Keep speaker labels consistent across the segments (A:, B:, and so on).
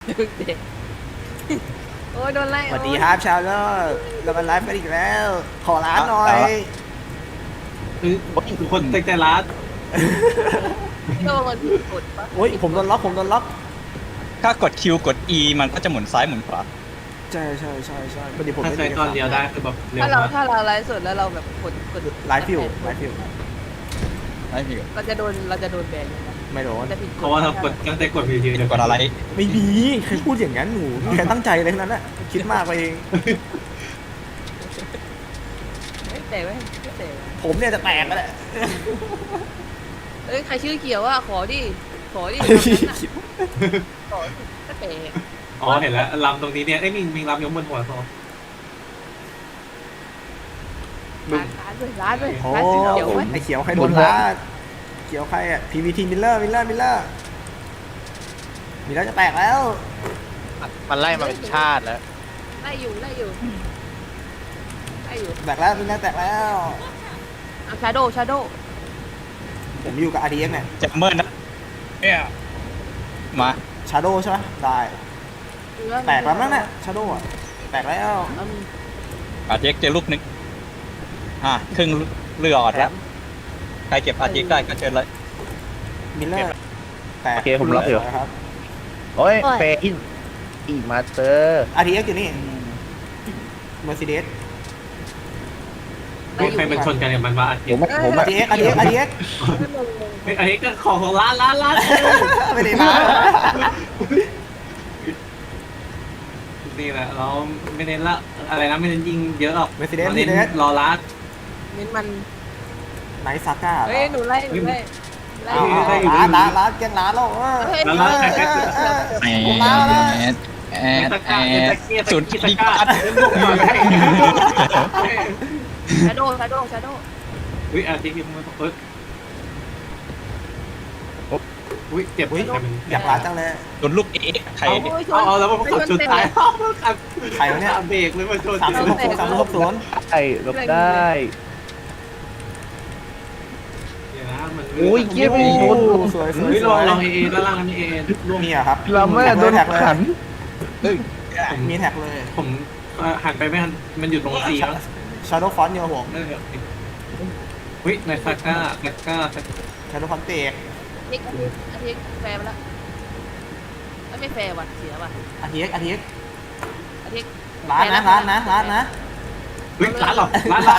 A: เด็กโอ้ยโดนไล่
B: สวัสดีครับชาวโลกเรามาไลฟ์กันอีกแล้ว ขอร้านหน่อย
C: ทุกคนตั้งใจร้าน
A: โดนกดปะ
B: โอ้ยผมโดนล็อกผมโดนล็อก
D: ถ้ากด Q กด E มันก็จะหมุนซ้ายหมุนขวา
B: ใช่พอดีผม
C: ถ้า
B: ไม่
C: ใช้ตอนเดียวได้คือแบบเร็ว
A: ถ้าเรา
C: มาก
A: ถ้าเราไลฟ์สดแล้วเราแบบกด
B: ไลฟ์ฟิว
D: ไม่มี
A: เราจะโดนแบนเลยนะ
B: ไม่โดน
A: จะผิดกฎ
C: เพราะว่าเรากดตั้งแต่กดวิวเดียว
D: กดอะไร
B: ไม่มีใครพูดอย่างนั้นหนูมีใครตั้งใจเลยทั้งนั้นน่ะคิดมากไปเอง
A: ไม่แต่ไม่แต่
B: ผมเนี่ยจะแตกแล้วแหละ
A: เอ้ยใครชื่อเขียวอ่ะขอดิขอก็แต่
C: อ๋อเห็นแล้วลำตรงนี้เนี่ยไอ้ยมีลำยกบนหัวซอ
A: ร้านด้วย
B: โอ้
A: ร้านสีเขียวไว้
B: ไอเขียวใครโดนล้าเขียวใครอ่ะ PVT มิลเลอร์มิลเลอร์จะแตกแล้ว
E: มันไล่มาเป็นชาติแล้ว
A: ไล่อยู่
B: แตกแล้วมิลเลอร์แตกแล้ว
A: เอาชาโด
B: ผมอยู่กับ RDX เนี่ย
D: จะเมินนะเนี่ยมา
B: ชาโดใช่ไหมได้แตกแล้วมั้งเนี่ยชาโดอ่ะแตกแล้ว
D: อาเจกเจอลูกนึงครึ่งเรืออดแล้วใครเก็บอาเจกได้ก็เชิญเลย
B: มิลเลอร์แตก
E: โอเคผมรับอยู่
B: ครับ
E: โอ้ยเฟอินอีมาสเตอร์
B: RDX อยู่นี่ Mercedes
C: ไม่ใครเป็นชนกันเนี่ยมันว่าอาทิตย์
E: ผม
B: RDX
C: เฮ้ยอันนี้ก็ของร้าน
B: ไม่ได้มา
C: นี่แหละเราไม่เน้นละอะไรนะไม่เน้นยิงเยอะหรอก
B: Mercedes
C: เน้นรอรัด
A: มิ้นมัน
B: ไนท์ซาก้า
A: เฮ้ยหนูไล่
B: ร้านแกงร้านแล้ว ผมมาแล้ว
D: สุดที่ปัด
A: ชาโด
C: อุ้ยอาทิตย์ที่มันอุ้ยเจ็บ
B: อุ้ยอยากร้านจังเลย
D: โดนลูกเอ็กใคร
C: เอาแล้วมันกดชนท้าย
B: ใครวะเนี่ย
C: เบรกเลยมาชน
B: 3060
E: ได้หลบได้ อุ้ยเยี่ยม
B: โอ้สวย
C: เฮ้ยลองเอด้านล่างมีเอร่วม
B: มีอะครับ
E: เราไม่โดนขัน
B: มีแท็กเลย
C: ผมหันไปไม่หันมันอยู่ตรงซีแล้ว
B: ชาโดว์ฟอนต์เนี่ยผม
C: นั่นแหละอุ้ยในซาก้า
B: ชาโดว์ฟอนต์เตก
A: อาทิตย์แฟร์ไปแล้วไม่แฟร์ว่ะเสียว่ะ
B: RDX
A: อาทิตย์
B: ร้านนะ
C: เฮ้ยร้านหรอร้าน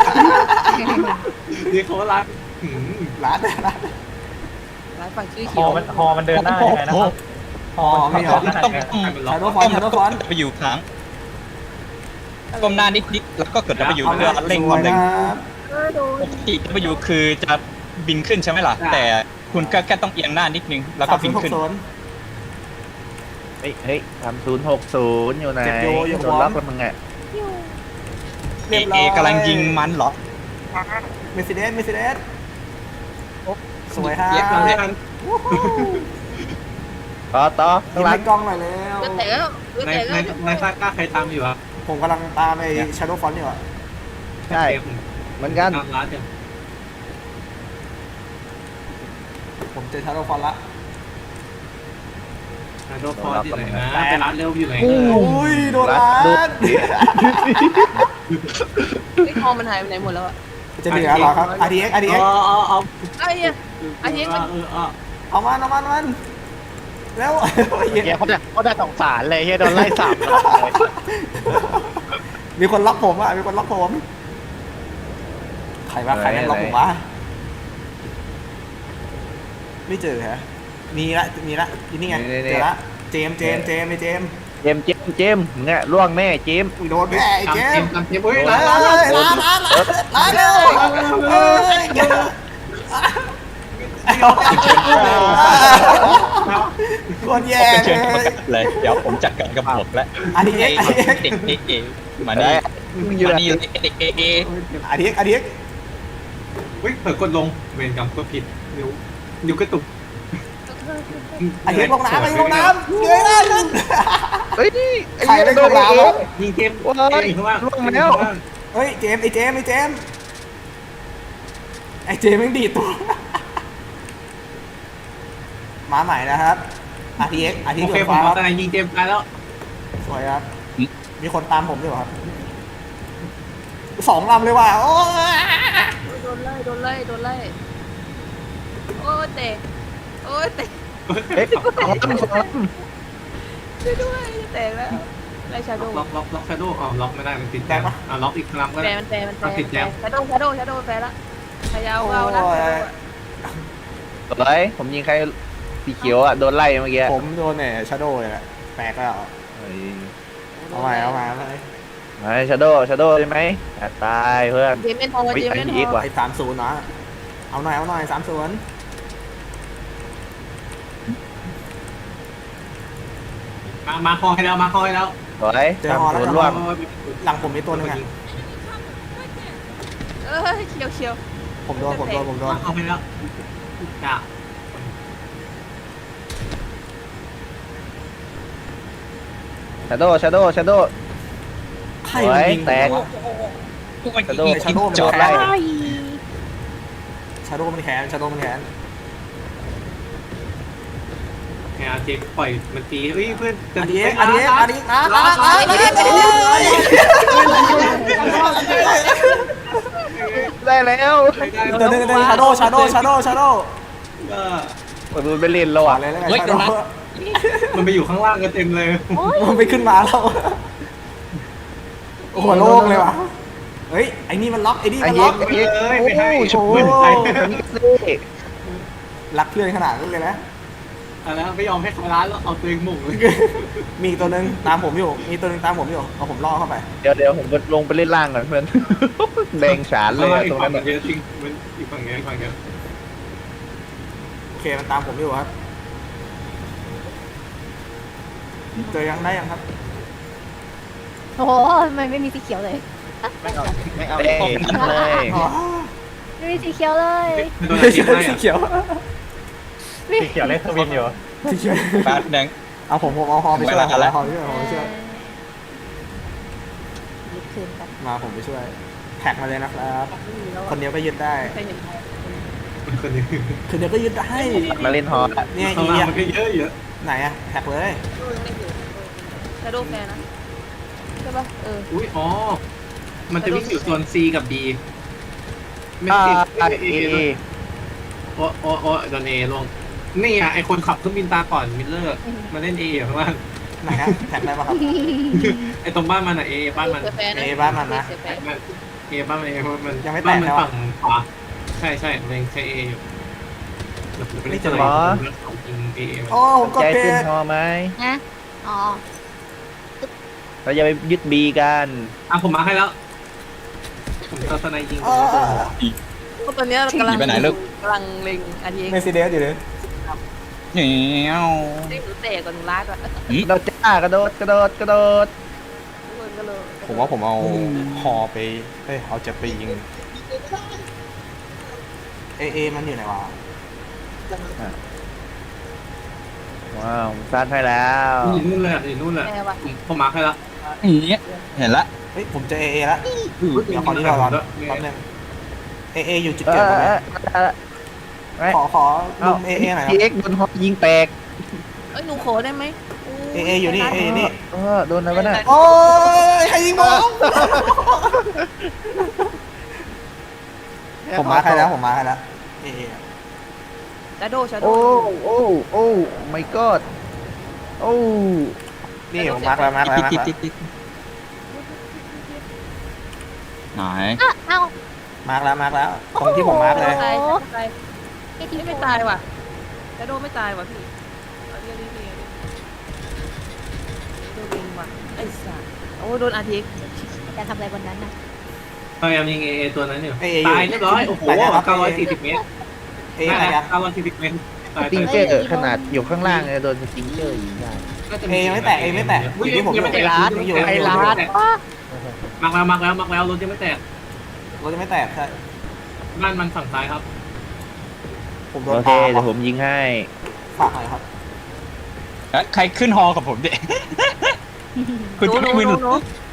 C: นี่เขาร้าน
B: ร้าน
A: ร้านฝั่งชื่อ
F: ฮ
A: เขีย
F: อ
A: ว
F: มันเดินหน้ายังไงนะครับฮอ
B: มีเหรอ
F: มัน
D: ต้อง
B: ชาโดว์ฟอนต์
D: ไปอยู่ค้างก้มหน้านิดแล้วก็กดไปอยู่เพื่อเร่งความเร็วปกติไปอยู่คือจะบินขึ้นใช่ไหมล่ะแต่คุณก็แค่ต้องเอียงหน้านิดนึงแล้วก็บินขึ้น
E: เฮ้ย3060อยู่ไหนโดนล็อกแล้วมึงไง
D: เอกำลังยิงมันเหรอ
B: เมสซิเดสสวยครับ
C: เย็บเลยกัน
E: ต่อ
B: ยิ้มให้กล้องหน่อยแล้ว
A: แต่แล้ว
C: ในซาก้าใครตามอยู่อ่ะ
B: ผมกำลังตามไอ้ชาโดว์ฟอนต์อยู่อ่ะ
E: ใช่เหมือนกัน
C: ตามร้านเนี่ย
B: ผมเจอชาโดว์ฟอนต์ละ
C: โดนฟอนอยู่ไหนนะไปร้านเร็วอยู่ไหน
B: อุ้ยโดนร้าน
A: ไอ้ทองมันหายไปไหนหมดแล้วอ่ะ
B: จะเหลือเหรอครับ RDX
C: เอา
A: ไอ้เนี่ยอาทิตย์มัน
B: เอามันแล้ว
E: เฮียเขาได้สงสารเลยเฮียโดนไล่สับเลย
B: มีคนล็อกผมอ่ะมีคนล็อกผมใครวะใครแม่งล็อกผมวะไม่เจอฮะมีละนี่ไงเจอละเจม
E: มึงไงล่วงแน่เจม
B: อุ้ยโดนแม่ไอ้เจม
C: ตามเฮ้ย
B: ร้านเร็วคนแย่
D: เป็นเชิญกรรมการเลยเดี๋ยวผมจัดการกับหมดแล้ว
B: RDX
D: เด็กเอมานี่
E: มึงอยู่
D: มา
E: ไหน
D: นี่เด็กเอ
B: RDX
C: เฮ้ยเผลอกดลงเวรกรรมก็ผิดนิ้วกระตุก
B: RDX ลงน้ำเงยหน้าขึ้น
E: เฮ้ย
B: ใครเป็นคนลาวะ
C: ยิงเกม
E: ว้ายล่วงแล้ว
B: เฮ้ยเจมไอ้เจมแม่งดีตัวมาใหม่นะครับ RTX
C: โอ
B: RTX
C: เค
B: โดน
C: ผม
B: ฟ้าค
C: เอา
B: รับ
C: ทนายยิงเจมส์ตายแล้ว
B: สวยครับมีคนตามผมด้วยเหรอครับสองลำเลยว่ะโอ้ย
A: โดนไล่โดนไล่โดนไล่โอ้ยเตะโอ้ยเตะ
E: เอ๊ะสองลำ
A: ช่วยด้วยแตกแล้วไล่ชาโดว์
C: ล็อกชาโดว์อ๋อล็อกไม่ได้มันติดแล้วล็อกอีกครั้งก็
A: แฟ
C: ได้
A: ร์มันแฟร์มันแฟร์
C: ติดแล้ว
A: ชาโดว์ชาโดว์ชาโดว์แฟร์ละพยายามเอานะ
E: สวยผมยิงใครสีเขียวอ่ะโดนไล่เมื่อกี้
B: ผมโดนเนี่ยชาโดว์เลยแหละแตกแล้ว
E: เฮ้ย
B: เอาใหม่เอาใหม่เอาใหม่
E: มาชาโดใช่ไหมอ่ะตายเพื่อน
A: เจมเป็นทองเจมเป็นท
E: อีก
A: อง
E: ว่ะ
B: ไอ้30เนาะเอาหน่อย30
C: มาคอให้แล้วมาคอให้แล้ว
E: สวย
B: เจอ
E: ทำ
B: ฮอแล้ว
E: ศูน
B: เจ
E: ย์
B: อฮ
E: ร่
B: อ
E: วม
B: หลังผมมีตัวหนึงอ่ะ
A: เชียวเชียว
B: ผมโดน
C: มาคอให้แล้วจ้า
E: ชาโด
B: ใครมันยิง
E: แตก
B: วะ
D: พวกมัน
E: ชาโด
B: ชาโดว์มัน
E: โจด
B: แข
E: ไล่
B: นชาโดว์มันแขนชาโดว์มันแขน
C: แค่เจมปล่อยมันตีเฮ้ยเพื่อน
B: RTXนะ
E: ได้แล้ว
B: ตัวหนึงชาโดว์ชาโดว์
E: มันไปเล่นแล้ว
B: ก่อ
E: อ่ะ
B: นเลยแล้วกันชาโดว์
C: มันไปอยู่ข้างล่างกันเต็มเลย
B: มันไปขึ้นมาแล้วโอ้โหโล่งเลยว่ะเฮ้ยไอ้นี่มันล็อกไอ้นี่
E: ไอ้
B: มัน
E: เย็
B: ล็อก
E: กไอ้เย็ก
C: ไม่ให้
E: โอ้โห
C: ไม่ให้
E: นี่ก็เล่
B: รักเพื่อนขนาดนั้นเลยนะ
C: แล้วไม่ยอมให้เขาร้านแล้วเอาตัวเองหม่งเลย
B: มีตัวหนึงตามผมอยู่มีตัวหนึงตามผมอยู่เอาผมล่อเข้าไป
E: เดี๋ยวผมลงไปเล่นล่างก่อนเพื่อน แดงฉานเลยอะ
C: อี
E: ตร
C: ก
E: ง
C: ฝั่
E: นั้
C: ง
E: น
C: เย
E: อะ
C: อะจริงมันอีกฝั่งเยอะอีกฝั่งเยอะ
B: โอเคมันตามผมอยู่ครับเจอยังได้ยังครับ
G: โอ้โหมันไม่มีสีเขียวเลย
E: ไม่เอาเลย
B: อ๋อ
G: ไม่มีสีเขียวเลย
C: โดนอะไรให้
B: สีเขียว
F: สีเขียวเล่นทวินอยู่
B: สีเขียว
D: แป๊บนึง
B: เอาผมเอาฮอไปช่วย
D: เวลาแล้ว
B: เอาฮอไปช่วยเอาฮอไปช่วย
G: ยึดคืนกัน
B: มาผมไปช่วยแท็กมาเลยนะครับ คนเดียวก็ยึดได้
A: ใครเห็น
C: คนนี้
B: คนเดียวก็ยึดได้
E: มาเล่นฮอร์ด
B: เนี่ย
C: ข้าง
B: อี
C: ล่าง
B: อะ
C: มันก็เยอะเยอะ
B: ไหนอะแท็กเลย
A: ชาโดว์แฟร์นะใช่ปะ
C: อุ้ยอ๋อมันจะวิ่งอยู่โซน C กับ B ไม่
E: อ่า
C: ติด
E: เอ
C: โอ้โดน A ลงนี่อ่ะไอคนขับเครื่องบินตาก่อนมิลเลอร์มาเล่น A อยู่ข้างล่าง
B: ไหนอะแท็กได้ปะครับ
C: ไอตรงบ้านมันอ่ะ A บ้านมัน
A: แฟร์นะ
B: เอบ้านมันนะ
A: แฟร์
C: A บ้านมัน A มัน
B: ยังไม่แตก
C: บ้านมัน
B: แล้วอะ
C: ฝั่งขวาใช่มันยังใช้ A อยู่เดี๋ยวผมไปเล่นของจริง A
B: โอ้ผมกด
E: ใจ
B: เป
E: ขึ้น
B: น
E: ฮอไหม
G: นะอ๋อ
E: เราจะไปยึดบีกัน
C: อ่ะผมมาให้แล้ว ผมเจอสไนยิง
B: อ๋อ
A: ก็ตอนนี้กำลัง
D: ไปไหนลูก
A: กำลังเล็งอันนี้
B: เมซิเดสอยู่เลย
D: เหนียว
A: เล็งหรือเตะก่อนลากก่อน
E: เราจ้ากระโดด
A: ทุกคนก็เลย
B: ผมว่าผมเอาฮอไปเอ้ยเอาจะไปยิงเอมันอยู่ไหนวะ
E: ว้าวซัดให้แล้ว
C: อยู่นู่นเลยอยู่นู่นเลย
A: แฟร์ว่ะ
C: ผมมาให้แล้ว
D: อย่างเงี้ยเห็นละ
B: เฮ้ยผมเจอเอแล้วเดี๋ยวขอที่เราก่อนแป๊บนึงเออยู่จุดเกิดผมเลยขอลุมเอหน่อยค
E: พี
B: รับ
E: เอ็กโดนฮอยิงแตก
A: เอ้ยหนูขอได้ไหม
B: เออยู่นี่เออยู่นี่
E: โดนอะไรวะเนี่ย
B: โอ้ยใครยิงผมมาใครแล้วผมมาใครแล้วเอ
A: ชาโดว์ชาโด
E: โอ้
A: ว์
E: โอ้ไม่กอดโอ้
B: นี่ผมมาร์คแล้วมาร์คแล้วมาร์คแล้ว
D: ไหน
G: อ่ะเอา
B: มาร์คแล้วมาร์คแล้วตรงที่ผมมาร์คเลย
A: ตายตาย
G: ไอ้ที่
A: ไม่ตายว่ะชาโดว์ไม่ตายว่ะพี่เอาเรียกโดนยิงว่ะไอ้สัสโอ้โดนอาทิตย์
G: จะทำอะไรบนนั้นน่ะ
C: พยายามยิง A ตัวนั้นอยู่
B: เออยู่
C: ตายเรียบร้อยโอ้โห940 เมตร
B: เออะไรครับ
C: 940 เมตรตาย
E: สติงเจอร์ขนาดอยู่ข้างล่างเลยโดนสติงเจอร์ยิงได้
B: เอไม่แตกเอไม่แตกอยู่ที่ผม
C: ยังไม่แตก
B: อยู่
C: ไอ้
B: อยู่
C: ร้านมักแล้วรถยังไม่แตก
B: รถจะไม่แตกใช่
C: บ้านมันฝั่งซ้ายครับ
B: ผมโด
E: โอน เค
B: ตาม
E: เดี๋ยวผมยิงให้
B: ฝากหน่อยครับ
D: ใครขึ้นฮอกับผมเด็คุณจะไม่มึน
A: โน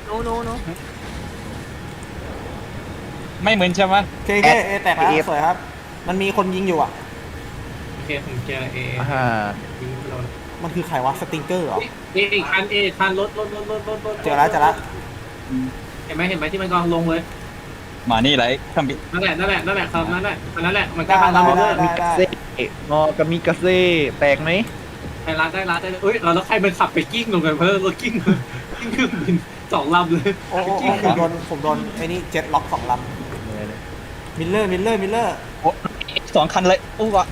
D: ไม่มึนใช่ไหม
B: เคเอแตกแล้วสวยครับ มันมีคนยิงอยู่อ่ะ
C: โอเคผมเจอ A
E: อ่า
C: ยิงโดน
B: ผมันคือใครวะสติงเกอร์เหรอ
C: อีกคันคันรถ
B: เจอแล้ว
C: เห็นไหมที่มันกำลังลงเลย
D: มานี่เลยเครื่องบิน
C: นั่นแหละครับนั่นแหละมันใก
B: ได้
C: ล้บ้านเรา
B: ได้
C: เลย
B: ได้ได้
E: เซ่งอกามิกาเซ่แตกไหม
C: ได้เอ้ยแล้วใครมันขับไปกิ้งลงกันเพราะรถกิ้งเครื่องบิน2 ลำเลย
B: โอ้ผมโดนไอ้นี่เจ็ตล็อก2 ลำมิลเลอร์
D: โอ้2 คันเลยอู้วะ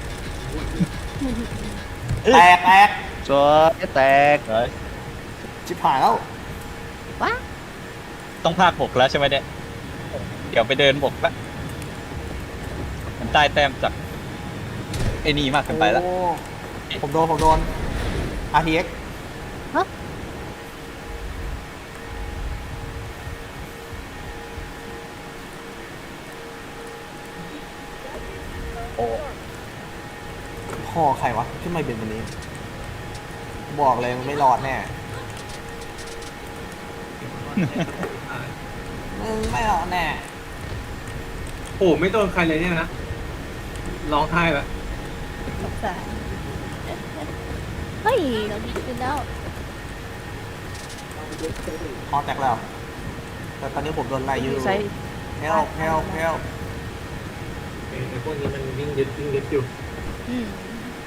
B: แตก
E: จอยแตก
B: ชิบหายแล้ว
D: ต้องภาค6แล้วใช่ไหมเนี่ยเดี๋ยวไปเดินบกละมันได้แต้มจากไอ้นี่มากเกินไปแล้ว
B: โอ้ผมโดน RTX
G: ฮะ
B: พ่อใครวะที่ไม่เป็นวันนี้ บอกเลยมันไม่รอดแน่มึงไม่รอดแน่
C: โอ้ไม่โดนใครเลยเนี่ยนะร้องไห้แบบ
G: สงสารเฮ้ยเราดีขึ้นแล้ว
B: คอแตกแล้ว แต่ตอนนี้ผมโดนไล่อยู่
A: ใช้
B: help
C: ไอ้พวกนี้มันวิ่งยึดอยู่
G: อืม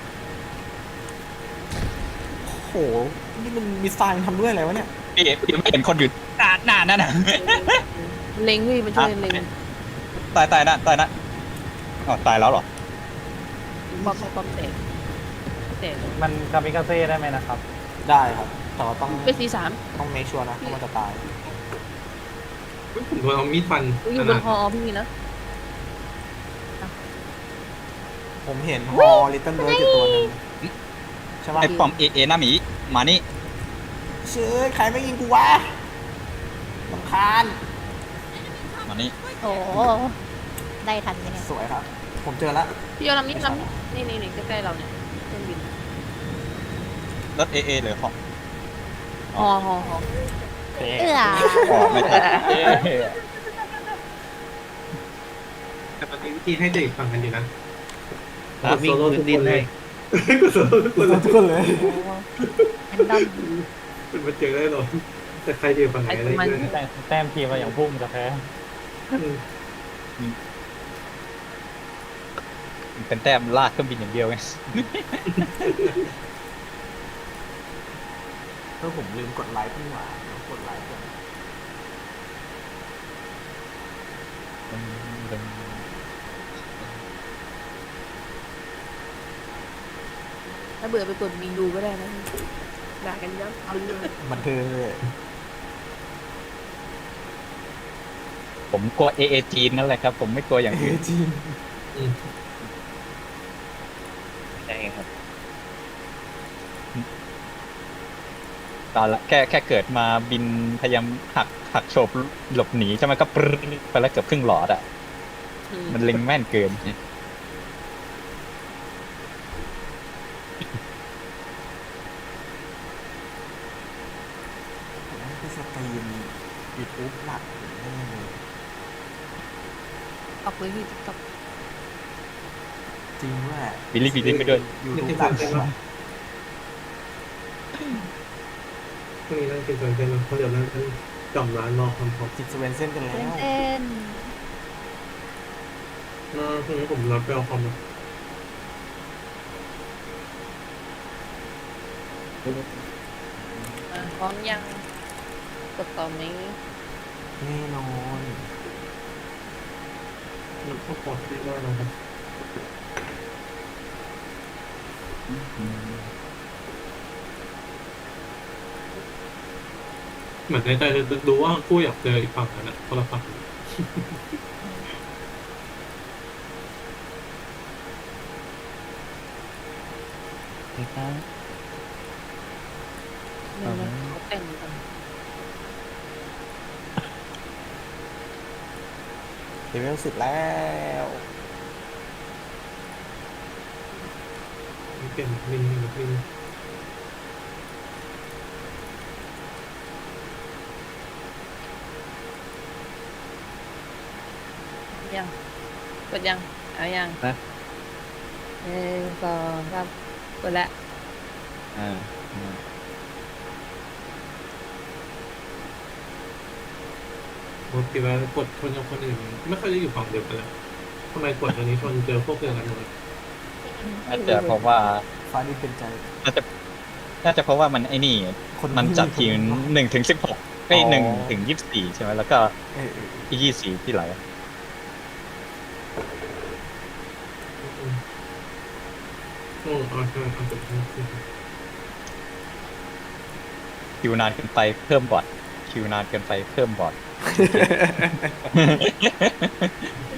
B: โห นี่มันมีสไตล์ทำด้วยอะไรวะเนี่ย
D: พี่ไม่เห็นคนอยู่หน้านั่นน่ะ
A: เล็งพี่มันช่วยเล็ง
D: ตายนะอ๋อตายแล้วเหรอ
A: บอมเตะ
F: มันคามิกาเซ่ได้ไหมนะครับ
B: ได้ครับ แต่ว่าต้อง
A: เป็นC3
B: ต้องเมคชัวร์นะว่ามันจะตาย
C: ผมโดนเอามีดฟัน
A: อยู่บนฮอพี่นะ
B: ผมเห็นฮอลิตเติ้ลเบิร์ดอยู่ตัวหนึงใช่ปะ
D: ไอ้ปอมเอหน้าหมีมานี่
B: เชื่อใครไม่ยิงกูวะลำคาญ
D: มานี่
G: โอ้ได้ทันไหมเนี่ย
B: สวยครับ ผมเจอแล้ว
A: พี่เอาลำนี้นี่ใกล้ๆเราเนี่ยเครื่องบิน
D: รถเอเลยของ
A: ฮอ
G: เอื้อ
D: อ๋อไม่ใช่
C: แต่ปฏิวิธีให้เด็กฟังกันดีนะ
E: วิ่งพื้นดินให้
C: ก็โซโล่ทุกคนเลย
B: ทุกคนเลย
G: แอนดอม
C: เป็นมาเจอได้หรอแต่ใครเดียวฝั่งไหนอะไรเงี้ย
F: แต้มทีมเราอย่างพุ่งจะแพ้
D: เป็นแต้มลากเครื่องบินอย่างเดียวไง
B: ผมลืมกดไลค์พี่หว่ากดไลค์ก่อน
A: ถ้าเบื่อไปกดมีดูก็ได้นะด่ากันยับเอาเลย
B: บันเทิงเลย
D: ผมกลัวเอจีนนั่นแหละครับ ผมไม่กลัวอย่างอื่น
B: จีน
E: ใช่ครับ
D: ตอนละแค่เกิดมาบินพยายามหักโฉบหลบหนีใช่ไหมก็ปรึ๊ดไปแล้วเกือบครึ่งหลอดอ่ะ มันเล็งแม่นเกิน
B: นั่นคือสตรีมยูทูบหลักแน่เลย
A: ออกเลยพี่ติ๊กต็อก
B: จริงด้วย
D: บิลลี่ไปด้วย
B: ยูทูบหลักใช่ปะ
C: พวกนี้นั่งกินส่วนเต็มเพราะเดี๋ยวนั้นจอมร้านรอคำพอ
B: จิตสเวนเซ่นกันแล้ว
G: เส้น
C: พรุ่งนี้ผมรับไปเอาคอม
A: พร้อมยังกดต่อไหม
B: แน่นอน
C: มันก็ปลอดภัยมากนะครับเหมือนในใจจะดูว่าคู่อยากเจออีกฝั่งนั้นนะคนละฝั่ง
A: เนี่ยนะเขาแต่งกัน
B: เลเวล10แล้ว
C: เปลี่ยนมิน
A: ยังกดยังเอายัง
E: นะ
A: 2 3กดละ
E: อ
D: อ่า
C: ปกติว่ากดชนกับคนอื่นไม่ค่อยได้อยู่ฝั่งเดียวกันเลยทำไมกดอันนี้ชนเจอพวกเดียวกันเลย
D: น่าจะเพราะว่า
B: ฟ้าดินเป็นใจ
D: น่าจะเพราะว่ามันไอ้นี่
B: คน
D: มันจัดทีม1 ถึง 16ไอ้
B: อ๋อ
D: 1 ถึง 24ใช่ไหมแล้วก็
B: เออ
D: อีก24ที่ไหล
C: เอาใช่เอาจบ
D: คิวนานเกินไปเพิ่มบอทคิวนานเกินไปเพิ่มบอท